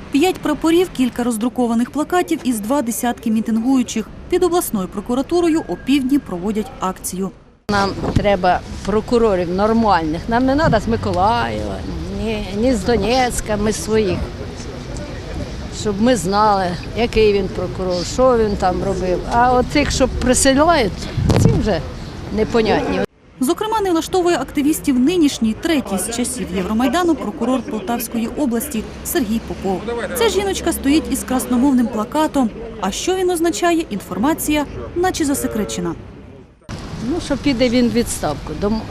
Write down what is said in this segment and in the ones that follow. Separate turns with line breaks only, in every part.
5 прапорів, кілька роздрукованих плакатів із 2 десятки мітингуючих. Під обласною прокуратурою опівдні проводять акцію.
Нам треба прокурорів нормальних. Нам не треба з Миколаєва, ні з Донецька, ми своїх. Щоб ми знали, який він прокурор, що він там робив. А от тих, що присилають, ці вже непонятні.
Зокрема, не влаштовує активістів нинішній, третій з часів Євромайдану прокурор Полтавської області Сергій Попов. Ця жіночка стоїть із красномовним плакатом. А що він означає, інформація наче засекречена.
Ну, що піде він в відставку.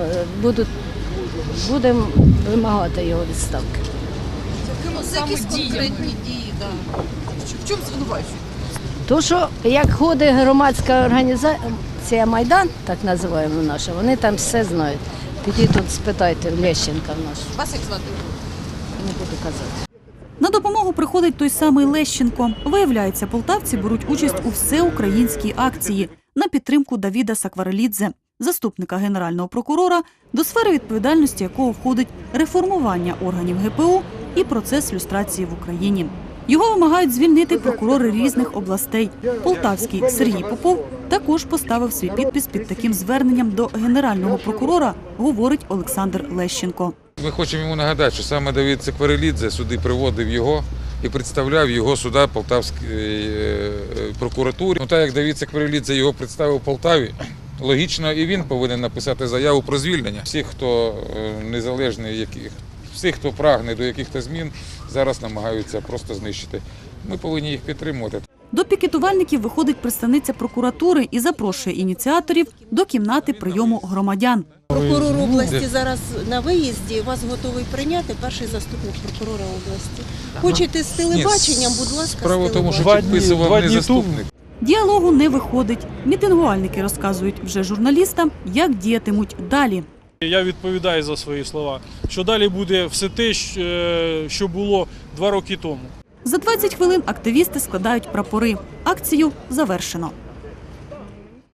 Будемо вимагати його відставки.
Якісь конкретні дії, да. В чому звинувачують?
То, що як ходить громадська організація «Майдан», так називаємо наша, вони там все знають. Підіть тут спитайте Лещенка нашого.
Вас як звати?
Не буду казати.
На допомогу приходить той самий Лещенко. Виявляється, полтавці беруть участь у всеукраїнській акції на підтримку Давіда Сакварелідзе, заступника генерального прокурора, до сфери відповідальності якого входить реформування органів ГПУ і процес люстрації в Україні. Його вимагають звільнити прокурори різних областей. Полтавський Сергій Попов також поставив свій підпис під таким зверненням до генерального прокурора, говорить Олександр Лещенко.
Ми хочемо йому нагадати, що саме Давид Сакварелідзе сюди приводив його і представляв його суда Полтавській прокуратурі. Так як Давид Сакварелідзе його представив Полтаві, логічно і він повинен написати заяву про звільнення. Всіх, хто незалежний, всіх, хто прагне до якихось змін, зараз намагаються просто знищити. Ми повинні їх підтримувати.
До пікетувальників виходить представниця прокуратури і запрошує ініціаторів до кімнати прийому громадян.
Прокурор області зараз на виїзді, вас готовий прийняти перший заступник прокурора області. Хочете з телебаченням, будь ласка,
Справа в тому, що
Два
підписував не
дні
заступник.
Діалогу не виходить. Мітингувальники розказують вже журналістам, як діятимуть далі.
Я відповідаю за свої слова, що далі буде все те, що було 2 роки тому.
За 20 хвилин активісти складають прапори. Акцію завершено.